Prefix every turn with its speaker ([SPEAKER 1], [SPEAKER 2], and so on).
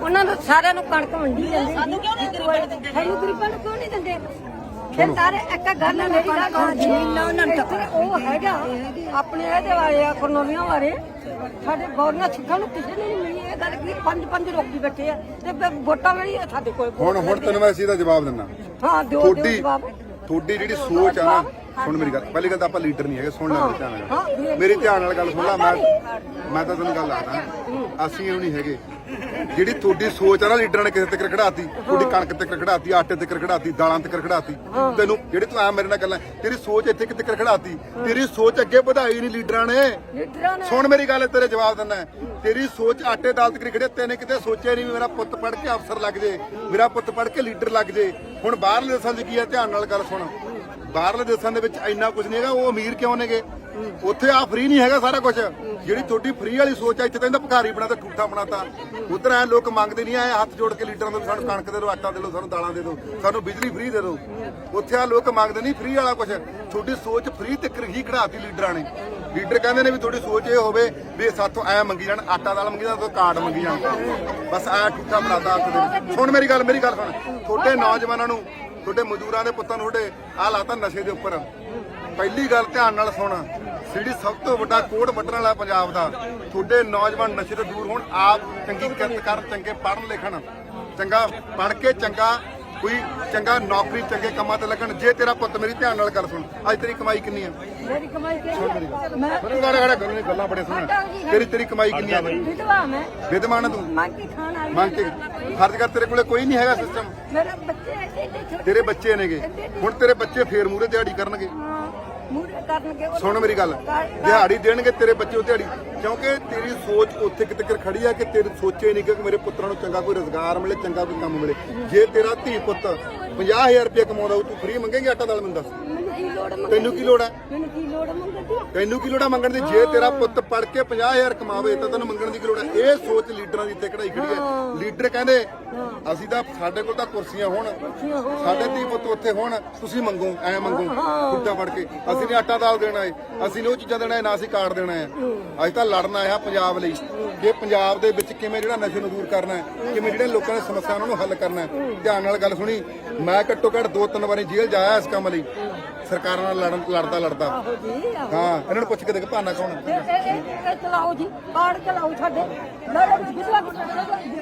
[SPEAKER 1] ਉਹਨਾਂ ਨੂੰ ਸਾਰਿਆਂ ਨੂੰ ਕਣਕ ਵੰਡੀ ਜਾਂਦੇ। ਸਾਨੂੰ ਕਿਉਂ ਨਹੀਂ ਦਿੰਦੇ? ਸਾਨੂੰ ਗਰੀਬਾਂ ਨੂੰ ਕਿਉਂ ਨਹੀਂ ਦਿੰਦੇ? ਫਿਰ ਸਾਰੇ ਇੱਕ ਗੱਲ ਹੈ ਮੇਰੀ ਗੱਲ ਜ਼ਮੀਨਾਂ ਉਹਨਾਂ ਨੂੰ ਉਹ ਹੈਗਾ ਆਪਣੇ ਇਹਦੇ ਵਾਲੇ ਆ ਕਰਨੋਲੀਆਂ ਵਾਲੇ ਸਾਡੇ ਗੌਰਨਾ ਸਿੱਖਾਂ ਨੂੰ ਕਿਸੇ ਨੇ ਨਹੀਂ ਮਿਲੀ ਇਹ ਗੱਲ ਕੀ ਪੰਜ ਰੋਕੀ ਬੈਠੇ ਆ ਤੇ ਵੋਟਾਂ ਵਾਲੀ ਸਾਡੇ ਕੋਲ
[SPEAKER 2] ਹੁਣ ਤੈਨੂੰ ਮੈਂ ਇਸੇ ਦਾ ਜਵਾਬ ਦਿੰਦਾ।
[SPEAKER 1] ਹਾਂ ਦਿਓ ਜਵਾਬ।
[SPEAKER 2] ਤੁਹਾਡੀ ਜਿਹੜੀ ਸੋਚ ਆ ਨਾ ਸੁਣ ਮੇਰੀ ਗੱਲ ਪਹਿਲੀ ਗੱਲ ਤਾਂ ਆਪਾਂ ਲੀਡਰ ਨਹੀਂ ਹੈਗੇ ਸੁਣ ਲੈ ਧਿਆਨ ਨਾਲ ਮੇਰੀ ਧਿਆਨ ਨਾਲ ਗੱਲ ਸੁਣ ਲੈ ਮੈਂ ਤਾਂ ਤੈਨੂੰ ਗੱਲ ਦੱਸਦਾ ਅਸੀਂ ਉਹ ਨਹੀਂ ਹੈਗੇ ਜਿਹੜੀ ਤੁਹਾਡੀ ਸੋਚ ਆ ਨਾ ਲੀਡਰਾਂ ਨੇ ਕਿਸੇ ਤੇ ਖੜਾਤੀ ਤੁਹਾਡੀ ਕਣਕ ਤੇ ਖੜਾਤੀ ਆਟੇ ਤੇ ਖੜਾਤੀ ਦਾਲਾਂ ਤੇ ਖੜਾਤੀ ਤੈਨੂੰ ਜਿਹੜੀ ਤੂੰ ਆ ਮੇਰੇ ਨਾਲ ਗੱਲਾਂ ਤੇਰੀ ਸੋਚ ਇੱਥੇ ਕਿਤੇ ਖੜਾਤੀ ਤੇਰੀ ਸੋਚ ਅੱਗੇ ਵਧਾਈ ਨਹੀਂ ਲੀਡਰਾਂ ਨੇ ਸੁਣ ਮੇਰੀ ਗੱਲ ਤੇਰੇ ਜਵਾਬ ਦਿੰਦਾ ਤੇਰੀ ਸੋਚ ਆਟੇ ਦਾਲ ਤੇ ਖੜੇ ਤੈਨੇ ਕਿਤੇ ਸੋਚਿਆ ਨਹੀਂ ਵੀ ਮੇਰਾ ਪੁੱਤ ਪੜ੍ਹ ਕੇ ਅਫਸਰ ਲੱਗ ਜੇ ਮੇਰਾ ਪੁੱਤ ਪੜ੍ਹ ਕੇ ਲੀਡਰ ਲੱਗ ਜੇ ਹੁਣ ਬਾਹਰਲੇ ਦੇਸ਼ਾਂ 'ਚ ਕੀ ਆ ਧਿਆਨ ਨਾਲ ਗੱਲ ਸੁਣ ਬਾਹਰਲੇ ਦੇਸ਼ਾਂ ਦੇ ਵਿੱਚ ਇੰਨਾ ਕੁਝ ਨਹੀਂ ਹੈਗਾ ਉਹ ਅਮੀਰ ਕਿਉਂ ਨੇਗੇ ਉੱਥੇ ਆ ਫ੍ਰੀ ਨਹੀਂ ਹੈਗਾ ਸਾਰਾ ਕੁਝ ਜਿਹੜੀ ਤੁਹਾਡੀ ਫ੍ਰੀ ਵਾਲੀ ਸੋਚ ਆ ਇੱਥੇ ਤਾਂ ਇਹਦਾ ਭਿਖਾਰੀ ਬਣਾਤਾ ਠੂਠਾ ਬਣਾਤਾ ਉਧਰ ਐ ਲੋਕ ਮੰਗਦੇ ਨਹੀਂ ਐ ਹੱਥ ਜੋੜ ਕੇ ਲੀਡਰਾਂ ਤੋਂ ਸਾਨੂੰ ਕਣਕ ਦੇ ਦਿਓ ਆਟਾ ਦੇ ਦਿਓ ਸਾਨੂੰ ਦਾਲਾਂ ਦੇ ਦਿਓ ਸਾਨੂੰ ਬਿਜਲੀ ਫ੍ਰੀ ਦੇ ਦਿਓ ਉੱਥੇ ਆ ਲੋਕ ਮੰਗਦੇ ਨਹੀਂ ਫ੍ਰੀ ਵਾਲਾ ਕੁਝ ਤੁਹਾਡੀ ਸੋਚ ਫ੍ਰੀ ਤੇ ਹੀ ਖੜਾਤੀ ਲੀਡਰਾਂ ਨੇ ਲੀਡਰ ਕਹਿੰਦੇ ਨੇ ਵੀ ਤੁਹਾਡੀ ਸੋਚ ਇਹ ਹੋਵੇ ਵੀ ਸਾਥੋਂ ਐ ਮੰਗੀ ਜਾਣ ਆਟਾ ਦਾਲ ਮੰਗੀ ਜਾਣ ਕਾਰਡ ਮੰਗੀ ਜਾਣ ਬਸ ਐ ਠੂਠਾ ਬਣਾਤਾ ਹੱਥ ਦੇ ਸੁਣ ਮੇਰੀ ਗੱਲ ਸੁਣ ਤੁਹਾਡੇ ਨੌਜਵਾਨਾਂ ਨੂੰ ਤੁਹਾਡੇ ਮਜ਼ਦੂਰਾਂ ਦੇ ਪੁੱਤਾਂ ਨੂੰ ਤੁਹਾਡੇ ਆ ਲਾਤਾ ਨਸ਼ੇ ਦੇ ਉੱਪਰ ਪਹਿਲੀ ਗੱਲ ਧਿਆਨ ਨਾਲ ਸੁਣ ਜਿਹੜੀ ਸਭ ਤੋਂ ਵੱਡਾ ਕੋੜ ਵੱਢਣ ਵਾਲਾ ਪੰਜਾਬ ਦਾ ਤੁਹਾਡੇ ਨੌਜਵਾਨ ਨਸ਼ੇ ਤੋਂ ਦੂਰ ਹੋਣ ਆਪ ਚੰਗੀ ਕਿਰਤ ਕਰਨ ਚੰਗੇ ਪੜ੍ਹਨ ਲਿਖਣ ਚੰਗਾ ਪੜ੍ਹ ਕੇ ਚੰਗਾ ਕੋਈ ਚੰਗਾ ਨੌਕਰੀ ਚੰਗੇ ਕੰਮਾਂ ਤੇ ਲੱਗਣ ਜੇ ਤੇਰਾ ਪੁੱਤ ਮੇਰੀ ਧਿਆਨ ਨਾਲ ਗੱਲ ਸੁਣ ਅੱਜ ਤੇਰੀ ਕਮਾਈ ਕਿੰਨੀ ਆ
[SPEAKER 1] ਮੇਰੀ ਕਮਾਈ
[SPEAKER 2] ਗੱਲਾਂ ਬੜੇ ਸੁਣ ਤੇਰੀ ਕਮਾਈ ਕਿੰਨੀ ਆ
[SPEAKER 1] ਵਿਧਵਾ ਮੈਂ
[SPEAKER 2] ਵਿਧਵਾ ਨਾ ਤੂੰ
[SPEAKER 1] ਮੰਗ ਕੇ ਖਾਣ ਵਾਲੀ
[SPEAKER 2] ਮੰਗ ਕੇ ਫਰਜ਼ ਕਰ ਤੇਰੇ ਕੋਲੇ ਕੋਈ ਨਹੀਂ ਹੈਗਾ ਸਿਸਟਮ
[SPEAKER 1] ਮੇਰੇ ਬੱਚੇ ਐਡੇ ਛੋਟੇ
[SPEAKER 2] ਤੇਰੇ ਬੱਚੇ ਨੇਗੇ ਹੁਣ ਤੇਰੇ ਬੱਚੇ ਫੇਰ ਮੂਰੇ ਦਿਹਾੜੀ ਕਰਨਗੇ
[SPEAKER 1] ਮੂਰੇ ਕਰਨਗੇ
[SPEAKER 2] ਸੁਣ ਮੇਰੀ ਗੱਲ ਦਿਹਾੜੀ ਦੇਣਗੇ ਤੇਰੇ ਬੱਚੇ ਉਹ ਦਿਹਾੜੀ ਕਿਉਂਕਿ ਤੇਰੀ ਸੋਚ ਉੱਥੇ ਕਿਤੇ ਖੜੀ ਆ ਕਿ ਤੇਰੀ ਸੋਚੇ ਨਹੀਂ ਕਿ ਮੇਰੇ ਪੁੱਤਰਾਂ ਨੂੰ ਚੰਗਾ ਕੋਈ ਰੋਜ਼ਗਾਰ ਮਿਲੇ ਚੰਗਾ ਕੋਈ ਕੰਮ ਮਿਲੇ ਜੇ ਤੇਰਾ ਧੀ ਪੁੱਤ 50000 ਰੁਪਏ ਕਮਾਉਂਦਾ ਤੂੰ ਫ੍ਰੀ ਮੰਗੇਂਗੀ ਆਟਾ ਦਾਲ ਮੈਨੂੰ ਦੱਸ ਤੈਨੂੰ ਕੀ ਲੋੜ ਹੈ ਤੈਨੂੰ ਕੀ ਲੋੜ ਹੈ ਮੰਗਣ ਦੀ ਜੇ ਤੇਰਾ ਪੁੱਤ ਪੜ ਕੇ 50000 ਕਮਾਵੇ ਤਾਂ ਤੈਨੂੰ ਮੰਗਣ ਦੀ ਕੀ ਲੋੜ ਹੈ ਇਹ ਸੋਚ ਲੀਡਰਾਂ ਦੀ ਇੱਥੇ ਕਢਾਈ ਖੜੀ ਹੈ ਲੀਡਰ ਕਹਿੰਦੇ ਅਸੀਂ ਤਾਂ ਸਾਡੇ ਕੋਲ ਤਾਂ ਕੁਰਸੀਆਂ ਹੋਣ ਸਾਡੇ ਧੀ ਪੁੱਤ ਉੱਥੇ ਹੋਣ ਤੁਸੀਂ ਮੰਗੋ ਐ ਮੰਗੋ ਕੁੱਟਾ ਫੜ ਕੇ ਅਸੀਂ ਨੇ ਆਟਾ ਦਾਲ ਦੇਣਾ ਹੈ ਅਸੀਂ ਨੇ ਉਹ ਚੀਜ਼ਾਂ ਦੇਣਾ ਹੈ ਨਾ ਅਸੀਂ ਕਾਰਡ ਦੇਣਾ ਹੈ ਅਸੀਂ ਤਾਂ ਲੜਨਾ ਆ ਪੰਜਾਬ ਲਈ ਕਿ ਪੰਜਾਬ ਦੇ ਵਿੱਚ ਕਿਵੇਂ ਜਿਹੜਾ ਨਸ਼ੇ ਨੂੰ ਦੂਰ ਕਰਨਾ ਹੈ ਕਿਵੇਂ ਜਿਹੜੇ ਲੋਕਾਂ ਦੀ ਸਮੱਸਿਆ ਉਹਨਾਂ ਨੂੰ ਹੱਲ ਕਰਨਾ ਹੈ ਧਿਆਨ ਨਾਲ ਗੱਲ ਸੁਣੀ ਮੈਂ ਘੱਟੋ ਘੱਟ 2-3 ਵਾਰੀ ਜੇਲ੍ਹ ਜਾਇਆ ਇਸ ਕੰਮ ਲਈ ਸਰਕਾਰਾਂ ਨਾਲ ਲੜਦਾ ਹਾਂ ਇਹਨਾਂ ਨੂੰ ਪੁੱਛ ਕੇ ਦੇਖ ਭਾਨਾ ਕੌਣ
[SPEAKER 1] ਚਲਾਓ ਜੀ ਕਾਰਡ ਚਲਾਓ ਸਾਡੇ